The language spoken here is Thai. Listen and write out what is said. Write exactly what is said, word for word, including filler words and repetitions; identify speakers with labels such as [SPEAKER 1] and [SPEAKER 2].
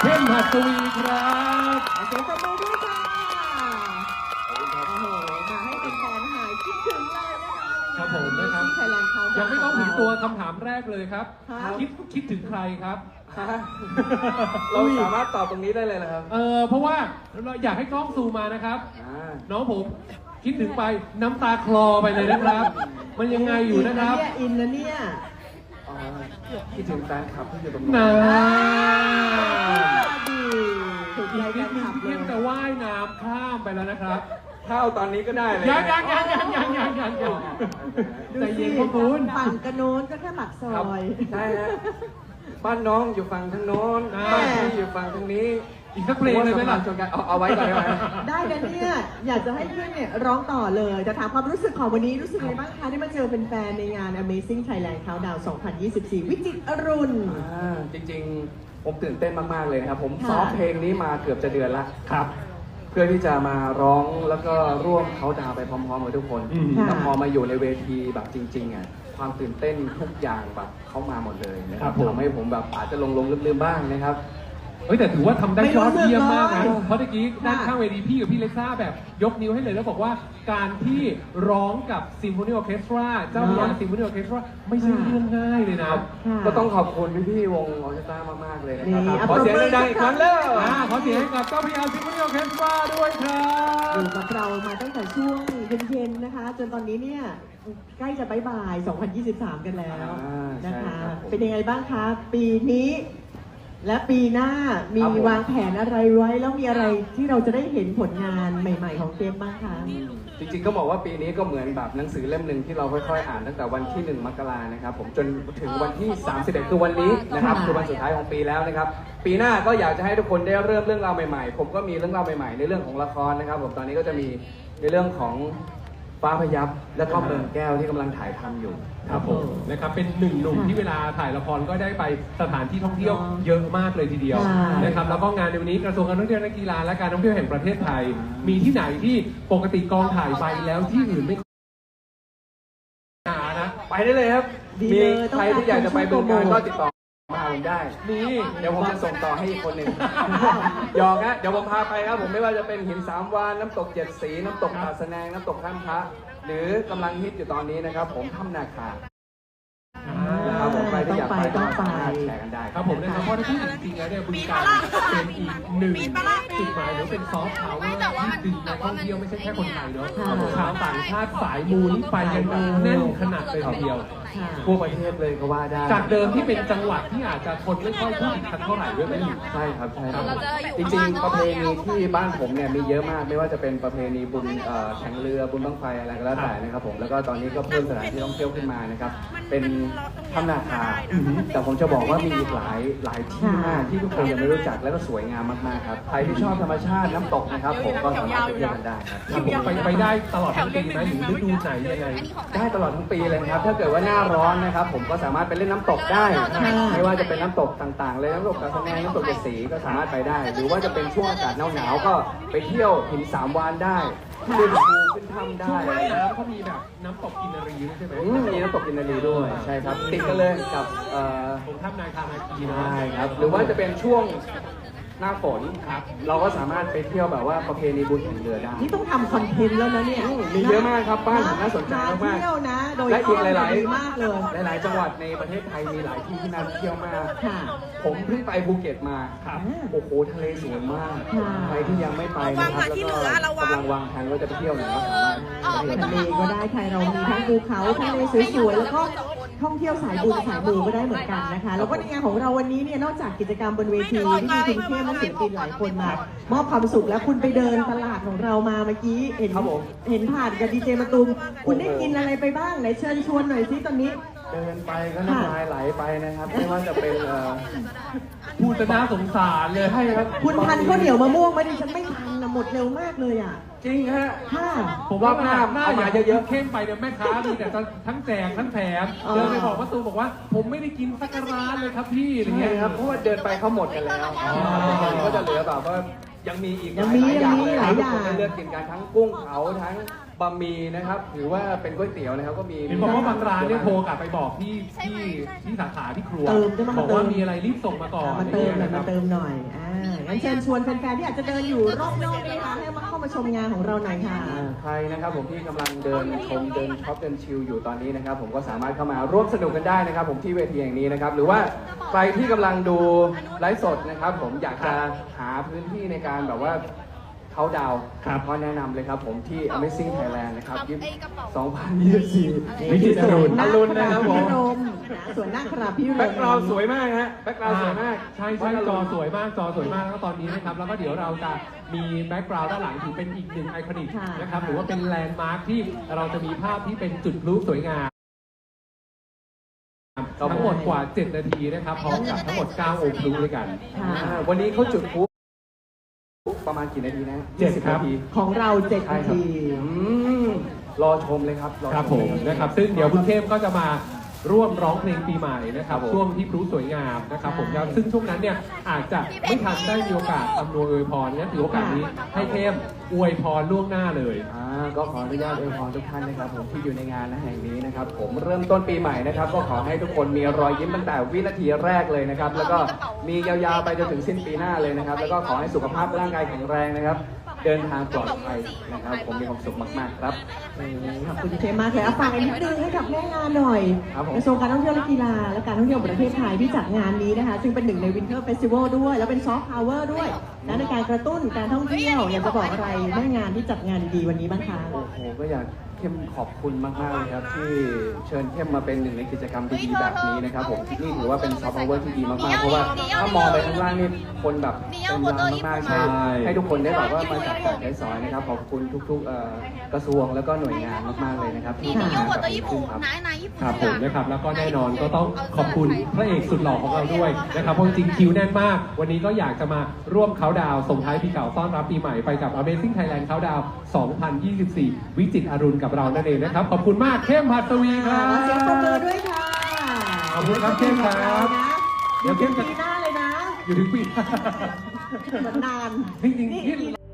[SPEAKER 1] เข้มหัสวีครับ
[SPEAKER 2] เสียงปรบมือด้วยค่ะโอ้โหมาให้เป็นแฟนหายคิดถึงเลยนะคะ
[SPEAKER 1] ครับผมนะครับ
[SPEAKER 2] ไทยแลนด์เขายั
[SPEAKER 1] ยังไม่ต้องถึงตัวคำถามแรกเลยครับ
[SPEAKER 2] ครับ
[SPEAKER 1] คิดคิดถึงใครครับ
[SPEAKER 3] เราสามารถตอบตรงนี้ได้เลยเหรอครับ
[SPEAKER 1] เออเพราะว่าเราอยากให้กล้องซูมมานะครับ
[SPEAKER 3] อ่า
[SPEAKER 1] น้องผมคิดถึงไปน้ำตาคลอไปเลยนะครับ มันยังไงอยู่นะครับ
[SPEAKER 2] อินนะเนี่ย
[SPEAKER 3] อ๋อคิดถึงแฟนคลับที่อยู่ตรง
[SPEAKER 1] นา
[SPEAKER 2] ดีถูก
[SPEAKER 1] อี
[SPEAKER 2] ใจ
[SPEAKER 1] ก
[SPEAKER 2] กั
[SPEAKER 1] นิ
[SPEAKER 2] น
[SPEAKER 1] ดนึง
[SPEAKER 2] ขับเล
[SPEAKER 1] เข้
[SPEAKER 2] ย
[SPEAKER 1] มจะว่ายน้ำข้ามไปแล้วนะครับ
[SPEAKER 3] ถ้าเอาตอนนี้ก็ได้เลย
[SPEAKER 1] ยังยังยังยังยังยังยังยังใจเย็นพ่อคุณ
[SPEAKER 2] ฝั่งกระโน้นก็แค่ปากซ
[SPEAKER 3] ครับ
[SPEAKER 2] อย
[SPEAKER 3] ใช่ฮะบ้านน้องอยู่ฝั่งทางโน้น
[SPEAKER 1] อ่า
[SPEAKER 3] บ้านพี่อยู่ฝั่งทางนี้
[SPEAKER 1] อีกสักเพลงเลยไหมล่ะ
[SPEAKER 3] ชนกันเอาเอาไว้ก่อนได้ไหม
[SPEAKER 2] ได้นะเนี่ยอยากจะให้เพื่อนเนี่ยร้องต่อเลยจะถามความรู้สึกของวันนี้รู้สึกไงบ้างคะได้มาเจอเป็นแฟนๆในงาน Amazing Thailand Countdown สองพันยี่สิบสี่ วิจิตรอรุณ
[SPEAKER 3] อ่าจริงๆ ผมตื่นเต้นมากๆเลยนะครับ ผม
[SPEAKER 2] ค่ะ
[SPEAKER 3] ซ้อมเพลงนี้มาเกือบจะเดือนละ
[SPEAKER 1] ครับ
[SPEAKER 3] เพื่อที่จะมาร้องแล้วก็ร่วมเขาดาวน์ไปพร้อมๆกับทุกคน
[SPEAKER 1] อืม
[SPEAKER 3] แล้วพอมาอยู่ในเวทีแบบจริงๆอ่ะความตื่นเต้นทุกอย่างแบบเข้ามาหมดเลยนะครับทำให้ผมแบบอาจจะลงลงๆลืมๆบ้างนะครับ
[SPEAKER 1] เฮ้ยแต่ถือว่าทำได้
[SPEAKER 2] ไม่
[SPEAKER 1] ย
[SPEAKER 2] รู้
[SPEAKER 1] อดเยี่ยมมาก
[SPEAKER 2] สึ
[SPEAKER 1] นะ
[SPEAKER 2] กเลย
[SPEAKER 1] เพราะตะกี้ด้านข้างเวทีพี่กับพี่เล็กซ่าแบบยกนิ้วให้เลยแล้วบอกว่าการที่ร้องกับซิมโฟนีออร์เคสตราเจ้าพระยาซิมโฟนีออร์เคสตราไม่ใช่เรื่องง่ายเลยนะ
[SPEAKER 2] ค่ะ
[SPEAKER 3] ก็ต้องขอบคุณพี่ๆวงออร์เคสตรามากๆเลยนะค
[SPEAKER 2] นี่
[SPEAKER 3] รับ
[SPEAKER 2] อ่ะ
[SPEAKER 3] ขอเสียงดังๆอีกครั้งเร็ว
[SPEAKER 1] อ่าขอเสียงให้กับเจ้าพระยาซิมโฟนีออร์เคสตราด้วยครับ
[SPEAKER 2] อยู่กับเรามาตั้งแต่ช่วงเย็นๆนะคะ จนตอนนี้เนี่ยใกล้จะบายบาย สองพันยี่สิบสาม กันแล้ว
[SPEAKER 3] อ่า
[SPEAKER 2] นะ
[SPEAKER 3] ใช่
[SPEAKER 2] คะ
[SPEAKER 3] ครับผม
[SPEAKER 2] เป็นยังไงบ้างคะ ปีนี้ และปีหน้ามี
[SPEAKER 3] ครับผม
[SPEAKER 2] วางแผนอะไรไว้ แล้วมีอะไรที่เราจะได้เห็นผลงานใหม่ ๆ ของเกมบ้างคะ
[SPEAKER 3] จริงๆก็บอกว่าปีนี้ก็เหมือนแบบหนังสือเล่มหนึ่งที่เราค่อยๆอ่านตั้งแต่วันที่หนึ่งมกรานะครับผมจนถึงวันที่สามสิบเอ็ดคือวันนี้นะครับ
[SPEAKER 2] ค่ะ
[SPEAKER 3] คือวันสุดท้ายของปีแล้วนะครับ ปีหน้าก็อยากจะให้ทุกคนได้เริ่มเรื่องราวใหม่ๆ ผมก็มีเรื่องราวใหม่ๆในเรื่องของละครนะครับผมตอนนี้ก็จะมีในเรื่องของฟ้าพยับและก็เบิร์นแก้วที่กำลังถ่ายทำอยู่
[SPEAKER 1] ครับผมนะครับเป็นหนึ่งหนุ่มที่เวลาถ่ายละครก็ได้ไปสถานที่ท่องเที่ยวเยอะมากเลยทีเดียว
[SPEAKER 2] ใช่
[SPEAKER 1] นะครับแล้วก็งานในวันนี้กระทรวงการท่องเที่ยวและกีฬาและการท่องเที่ยวแห่งประเทศไทย มีที่ไหนที่ปกติกองถ่ายไปแล้วที่อื่นไม่หานะ
[SPEAKER 3] ไปได้เลยครับ
[SPEAKER 2] ดี
[SPEAKER 3] มี
[SPEAKER 2] เลย
[SPEAKER 3] ใครที่อยากจะไปบึงกาฬก็ติดต่อมาหาผมได้
[SPEAKER 1] นี่
[SPEAKER 3] เดี๋ยวผมจะส่งต่อให้อีกคนหนึ่ง หยอกนะเดี๋ยวผมพาไปครับผมไม่ว่าจะเป็นหินสามวานน้ำตกเจ็ดสีน้ำตกตาดสะแนงน้ำตกท่ามพระหรือกำลังฮิตอยู่ตอนนี้นะครับ ผมถ้ำนาคานะครับผมใครที่อยากไปก็สามารถแชร์กันได้
[SPEAKER 1] ครับผมนะครับเพราะถ้าพูดจริงๆแล้วเนี่ยบึงกาฬเป็นอีกหนึ่งจุดหมายหรือเป็นซอฟต์พาวเวอร์ที่ดึงนักท่องเที่ยวไม่ใช่แค่คนไทยเนาะ
[SPEAKER 2] ค่ะ
[SPEAKER 1] ชาวต่างชาติสายมูนี่ไปกันแบบแน่นขนาดเลยทีเดียว
[SPEAKER 2] ค่ะ
[SPEAKER 3] ทั่วประเทศเลยก็ว่าได้
[SPEAKER 1] จากเดิมที่เป็นจังหวัดที่อาจจะคนไม่ค่อยพูดถึงกันเท่าไหร่ด้วยไหมอยู่
[SPEAKER 3] ใช่ครับใช่ครับ
[SPEAKER 4] เราจะอยู่
[SPEAKER 3] จริงๆ ประเพณีที่บ้านผมเนี่ยมีเยอะมากไม่ว่าจะเป็นประเพณีบุญเอ่อแข่งเรือบุญบั้งไฟอะไรก็แล้วแต่นะครับผมแล้วก็ตอนนี้ก็เพิ่มสถานที่ท่องเที่ยวขึ้นมานะครับเป็นถ้ำนาคาแต่ผมจะบอกว่ามีอีกหลายหลายที่มากที่ทุกคนยังไม่รู้จักและก็สวยงามมากๆครับใครที่ชอบธรรมชาติน้ำตกนะครับผมก็สามารถไปเที่ยวกันได้ครับ
[SPEAKER 1] ครับผมไปไปได้ตลอดทั้งปีไหมหรือฤดูไหนยังไง
[SPEAKER 3] ได้ตลอดทั้งปีเลยนะครับ ถ้าเกิดว่าหน้าร้อนนะครับ ผมก็สามารถไปเล่นน้ำตกได้ ไม่ว่าจะเป็นน้ำตกต่างๆ เลยน้ำตกกระสแนงน้ำตกเจ็ดสีก็สามารถไปได้ หรือว่าจะเป็นช่วงอากาศหนาวๆก็ไปเที่ยวหินสามวานได้ขึ้นภูขึ้นถ้ำได้
[SPEAKER 1] ช่วงว่ายน้ำเขามีแบบน้ำตกกินนารีด้วยใช่ไหม
[SPEAKER 3] อืมมีน้ำตกกินนารีด้วยใช่ครับติดกันเลยกับเอ่อ
[SPEAKER 1] ผมท่านาคานาคีนะ
[SPEAKER 3] ใช่ครับหรือว่าจะเป็นช่วงหน้าฝนครับเราก็สามารถไปเที่ยวแบบว่าประเพณีบุญแห่งเรือได้
[SPEAKER 2] นี่ต้องทำคอนเทนต์แล้วนะเนี่ย
[SPEAKER 3] มีเยอะมากครับบ้านผมน่าสนใจมาก
[SPEAKER 2] เที่ยวนะ โดย
[SPEAKER 3] และอีกหลาย
[SPEAKER 2] ดีมากเลย
[SPEAKER 3] ๆหลาย ๆ จังหวัดในประเทศไทยมีหลายที่ที่น่าเที่ยวมาก
[SPEAKER 2] ค่ะ
[SPEAKER 3] ผมเพิ่งไปภูเก็ตมา
[SPEAKER 1] ครับ
[SPEAKER 3] โอ้โหทะเลสวยมาก
[SPEAKER 2] ค่ะ
[SPEAKER 3] ใครที่ยังไม่ไปนะครับแล้วก็กำลังวางแผนว่าจะไปเที่ยวไหนก็สามารถไป
[SPEAKER 2] ทะ
[SPEAKER 3] ได้
[SPEAKER 2] เลก็ได้ไทยเรามีทั้งภูเขาทะเลสวยๆแล้วก็ท่องเที่ยวสายบุญสายมูก็ได้เหมือนกันนะคะ แล้วก็ในงานของเราวันนี้เนี่ยนอกจากกิจกรรมบนเวทีที่มีคุณเข้มและศิลปินหลายคนมามอบความสุขแล้วคุณไปเดินตลาดของเรามาเมื่อกี้เห็น
[SPEAKER 3] ครับผม
[SPEAKER 2] เห็นผ่านกับดีเจมาตุมคุณได้กินอะไรไปบ้างไหนเชิญชวนหน่อยสิตอนนี้
[SPEAKER 3] เดินไปก็น้ำลายไหลไปนะครับ ไม่ว่าจะเป็นเอ่อ
[SPEAKER 1] พูดจะน่าสงสารเลย
[SPEAKER 3] ใช่ครับ
[SPEAKER 2] คุณทันข้าวเหนียวมะม่วงไหมดิฉันไม่ทันนะหมดเร็วมากเลยอ่ะ
[SPEAKER 3] จริงฮะ
[SPEAKER 2] ค่ะ
[SPEAKER 1] ผมว่าหน้า
[SPEAKER 3] เอา
[SPEAKER 1] หน้า
[SPEAKER 3] มา
[SPEAKER 1] อยาก
[SPEAKER 3] เย
[SPEAKER 1] เย
[SPEAKER 3] อะ
[SPEAKER 1] อะ
[SPEAKER 3] ๆ
[SPEAKER 1] เข้มไปเนี่ยแม่ค้ามีแต่ทั้งแจกทั้งแถม
[SPEAKER 2] อ๋อ
[SPEAKER 1] เดินไปบอกว่าตูบอกว่า ผมไม่ได้กินสักร้านเลยครับพี่อะไร
[SPEAKER 3] ใช่
[SPEAKER 1] เงี้ย
[SPEAKER 3] ครับเพราะว่าเดินไปเขาหมดกันแล้วก็จะเหลือแบบว่ายังมีอีก
[SPEAKER 2] ยังมี
[SPEAKER 3] หลายอย่างเลย
[SPEAKER 2] ยังมีหลายอย่าง
[SPEAKER 3] ทุกคนได้เลือกกินกันทั้งกุ้งเผาทั้งบะหมี่นะครับหรือว่าเป็นก๋วยเตี๋ยวนะครับก็มี
[SPEAKER 1] เห็นบอกว่าบางร้านเนี่ยโทรกลับไปบอกที่ที่ที่สาขาที่ครัว
[SPEAKER 2] เติมจะมา
[SPEAKER 1] บอก
[SPEAKER 2] เติ
[SPEAKER 1] ว่าม มีอะไรรีบส่งมาก่อน
[SPEAKER 2] มาเติมหน่อย
[SPEAKER 1] นะค
[SPEAKER 2] มา
[SPEAKER 1] รับ
[SPEAKER 2] เติมหน่อย อ่า งั้นเชิญชวนแฟนๆที่อาจจะเดินอยู่รอบนอกนะคะให้มาเข้ามาชมงานของเราหน่อยค่ะ
[SPEAKER 3] อ่าใครนะครับผมที่กำลังเดินชมเดินช็อปเดินชิลอยู่ตอนนี้นะครับผมก็สามารถเข้ามาร่วมสนุกกันได้นะครับผมที่เวทีแห่งนี้นะครับหรือว่าใครที่กำลังดูไลฟ์สดนะครับผมอยากจะหาพื้นที่ในการแบบว่าเขาดาวน์
[SPEAKER 1] ครับ
[SPEAKER 3] ก็แนะนำเลยครับผมที่ Amazing Thailand นะครับสองพันยี่สิบสี่
[SPEAKER 1] วิจิตรอรุณ
[SPEAKER 3] อรุณนะครับผม
[SPEAKER 2] พิรมนะส่วนหน้าคราพิรม
[SPEAKER 3] แบ็กกราวด์สวยมากฮะแบ็กกราวด์สวยมาก
[SPEAKER 1] ใช่ใช่จอสวยมากจอสวยมากแล้วก็ตอนนี้นะครับแล้วก็เดี๋ยวเราจะมีแบ็กกราวด์ด้านหลังถือเป็นอีกหนึ่งไอคอนิก
[SPEAKER 2] ค่ะ
[SPEAKER 1] นะครับหรือว่าเป็นแลนด์มาร์คที่เราจะมีภาพที่เป็นจุดพลุสวยงาม
[SPEAKER 3] ครับผม
[SPEAKER 1] ทั้งหมดกว่า เจ็ด นาทีนะครับพร้อมกับทั้งหมด เก้า องค์พลุด้วยกัน
[SPEAKER 2] ค่ะ
[SPEAKER 3] อ่าวันนี้เขาจุดพลุประมาณกี่นาทีนะ
[SPEAKER 1] เจ็ด
[SPEAKER 3] ยี่สิ
[SPEAKER 1] ครับ
[SPEAKER 3] นาที
[SPEAKER 2] ของเราเจ็ด
[SPEAKER 3] ใช่
[SPEAKER 2] นา
[SPEAKER 3] ครับ
[SPEAKER 2] ที
[SPEAKER 3] อืมรอชมเลยครับอช
[SPEAKER 1] ครับผม
[SPEAKER 3] เลย
[SPEAKER 1] นะครับซึ่งเดี๋ยวคุณเข้มก็จะมาร่วมร้องเพลงปีใหม่นะครับ
[SPEAKER 3] ครับผม
[SPEAKER 1] ช่วงที่พลุสวยงามนะครับผม
[SPEAKER 2] ใช่
[SPEAKER 1] แล้วซึ่งช่วงนั้นเนี่ยอาจจะไม่ทันได้มีโอกาสอำนวยอวยพรงั้นถือโอกาสนี้ให้เข้มอวยพรล่วงหน้าเลย
[SPEAKER 3] อ่าก็ขออนุญาตอวยพรทุกท่านนะครับผมที่อยู่ในงานแห่งนี้นะครับผมเริ่มต้นปีใหม่นะครับก็ขอให้ทุกคนมีรอยยิ้มตั้งแต่วินาทีแรกเลยนะครับแล้วก็มียาวๆไปจนถึงสิ้นปีหน้าเลยนะครับแล้วก็ขอให้สุขภาพร่างกายแข็งแรงนะครับเดินทางปลอดภัยนะครับผมมีความสุขมากๆครับ
[SPEAKER 2] ขอบคุณเคมากเลยเอาฝากอีกนิดนึงให้กับแม่งานหน่อย
[SPEAKER 3] ครับผม
[SPEAKER 2] กระทรวงการท่องเที่ยวและกีฬาและการท่องเที่ยวแห่งประเทศไทยที่จัดงานนี้นะคะซึ่งเป็นหนึ่งในวินเทอร์เฟสติวัลด้วย แล้วเป็นซอฟต์พาวเวอร์ด้วยและในการกระตุ้นการท่องเที่ยวอยากจะบอกอะไรแม่งานที่จัดงานดีๆวันนี้บ้างคะ
[SPEAKER 3] โอ้โหก็อยากเข้มขอบคุณมากๆเลยครับที่เชิญเข้มมาเป็นหนึ่งในกิจกรรมดีๆแบบนี้นะครับผมนี่ถือว่าเป็นซอฟต์พาวเวอร์ที่ดีมากๆเพราะว่าถ้ามองไปข้างล่างนี่คนแบบเป็นล้านมากๆใช่ให้ทุกคนได้แบบว่ามาจับจ่ายใช้สอยนะครับขอบคุณทุกๆเอ่อกระทรวงแล้วก็หน่วยงานมากๆเลยนะครับที่
[SPEAKER 4] 你你
[SPEAKER 3] ทำ
[SPEAKER 4] 用
[SPEAKER 3] งาน
[SPEAKER 4] 我
[SPEAKER 3] แบบ
[SPEAKER 4] 的衣
[SPEAKER 3] นี้ขึ้น
[SPEAKER 4] 服
[SPEAKER 3] ครับ
[SPEAKER 4] 拿拿衣服
[SPEAKER 1] ครับ
[SPEAKER 4] 去
[SPEAKER 1] ผม
[SPEAKER 4] 拿
[SPEAKER 1] นะครับแล้วก็แน่นอนก็ต้องขอบคุณพระเอกสุดหล่อของเราด้วยนะครับเพราะจริงๆคิวแน่นมาก วันนี้ก็อยากจะมาร่วมเขาน์ดาวน์ส่งท้ายปีเก่าต้อนรับปีใหม่ไปกับ Amazing Thailand Countdown สองพันยี่สิบสี่ วิจิตรอรุณกับเรานั่นเองนะครับขอบคุณมากเข้มหัสวีค
[SPEAKER 2] ค่ะ
[SPEAKER 1] รับ
[SPEAKER 2] ขอเสียงปรบมือด้วยค่ะ
[SPEAKER 1] ขอบคุณครับเข้มครับ
[SPEAKER 2] เดี๋ยวเข้มปีหน้าเลยนะ
[SPEAKER 1] อยู่ถึงปี
[SPEAKER 2] เหมือนนาน
[SPEAKER 1] จริงๆที่